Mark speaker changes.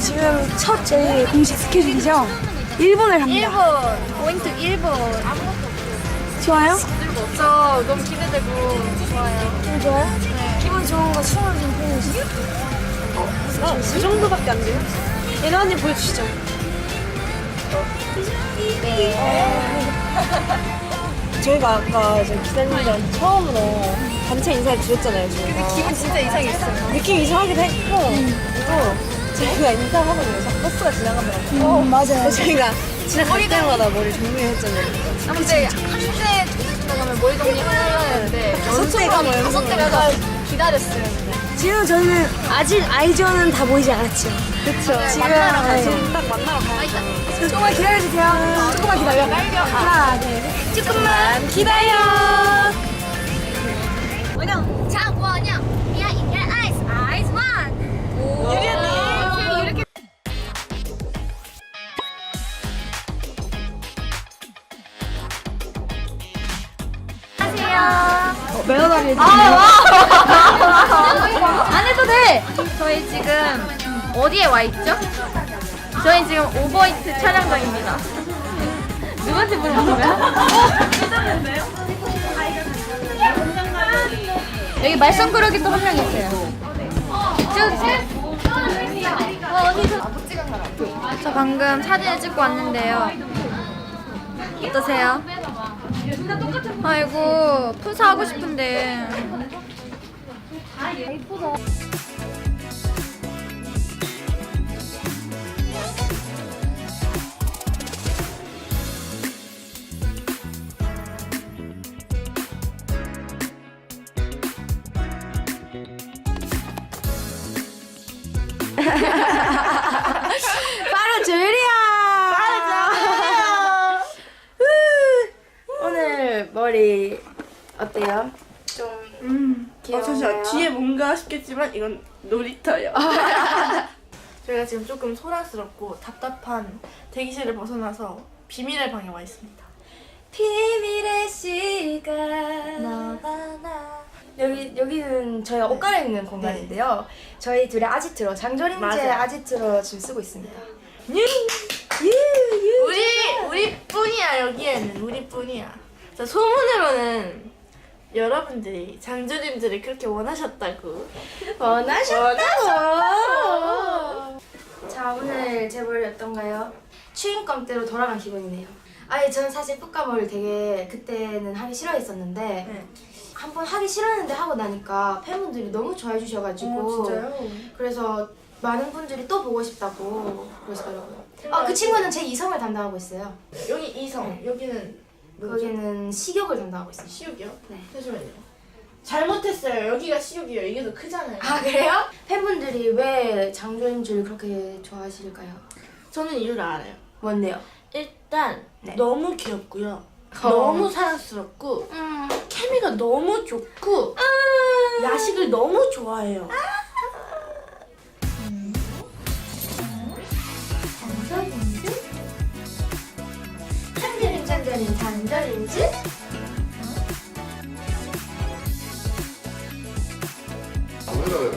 Speaker 1: 지금 첫 저희 공식 스케줄이죠? 일본을 갑니다.
Speaker 2: 일본 고잉 투 일본.
Speaker 1: 좋아요?
Speaker 2: 저 너무 기대되고 좋아요.
Speaker 1: 기분 좋아요? 네. 기분 좋은 거 추억 좀 보여주세요.
Speaker 2: 그 정도밖에 안 돼요? 예나 언니 보여주시죠.
Speaker 3: 저희가 아까 기자님들한테 처음으로 단체 인사를 드렸잖아요. 저희가.
Speaker 2: 기분 진짜 이상했어요.
Speaker 3: 느낌 이상하기도 했고 또 저희가 인사하거든요. 버스가 지나가더라고요.
Speaker 1: 맞아요.
Speaker 3: 저희가 지나갈 때마다 머리 정리했잖아요.
Speaker 2: 근데 한때 지나가면 머리 정리하는데
Speaker 3: 때가 뭐
Speaker 2: 다섯 대 가서 기다렸어요. 근데.
Speaker 1: 지금 저는 아직 아이즈원은 다 보이지 않았죠.
Speaker 3: 그쵸.
Speaker 1: 지금
Speaker 3: 지금 딱 만나러 가요.
Speaker 1: 조금만 기다려주세요. 조금만 기다려. 하나, 둘, 셋. 조금만 기다려.
Speaker 4: 장원영, 미아 인결 아이스, 아이스 원.
Speaker 2: 이렇게
Speaker 1: 매너다리
Speaker 2: 안 해도 돼. 저희 지금 어디에 와 있죠? 저희 지금 오버히트 촬영장입니다. 누구한테 물어본 거야? 여기 말썽꾸러기 또 한 명 있어요. 저 방금 사진을 찍고 왔는데요. 어떠세요? 아이고 푸사 하고 싶은데.
Speaker 1: 바로 줄이야. 오늘 머리 어때요? 좀 귀여워요.
Speaker 3: 잠시만 뒤에 뭔가 싶겠지만 이건 놀이터예요. 저희가 지금 조금 소란스럽고 답답한 대기실을 벗어나서 비밀의 방에 와 있습니다.
Speaker 1: 비밀의 시간 너와 나 여기는 저희가 옷 갈아입는 공간인데요. 저희 둘의 아지트로 장조림제
Speaker 3: 맞아요.
Speaker 1: 아지트로 지금 쓰고 있습니다.
Speaker 3: 우리뿐이야. 여기에는 우리뿐이야. 자, 소문으로는 여러분들이 장조림들을 그렇게 원하셨다고.
Speaker 1: 원하셨다고. 자, 오늘 제볼 어떤가요? 추인감대로 돌아간 기분이네요. 아니 저는 사실 풋감을 되게 그때는 하기 싫어했었는데
Speaker 3: 네.
Speaker 1: 한번 하기 싫었는데 하고 나니까 팬분들이 너무 좋아해 주셔가지고
Speaker 3: 진짜요?
Speaker 1: 그래서 많은 분들이 또 보고 싶다고 그러시더라고요. 그 친구는 제 이성을 담당하고 있어요.
Speaker 3: 여기 이성, 여기는 뭐죠?
Speaker 1: 거기는 식욕을 담당하고 있어요.
Speaker 3: 시육이요?
Speaker 1: 네.
Speaker 3: 잠시만요. 잘못했어요. 여기가 시육이에요. 이게 더 크잖아요.
Speaker 1: 아 그래요? 팬분들이 왜 장조림주를 그렇게 좋아하실까요?
Speaker 3: 저는 이유를 알아요.
Speaker 1: 뭔데요?
Speaker 3: 일단
Speaker 1: 네.
Speaker 3: 너무 귀엽고요. 너무 사랑스럽고 케미가 너무 좋고 야식을 너무 좋아해요.
Speaker 1: 장조림주? 장조림 장조림 장조림주?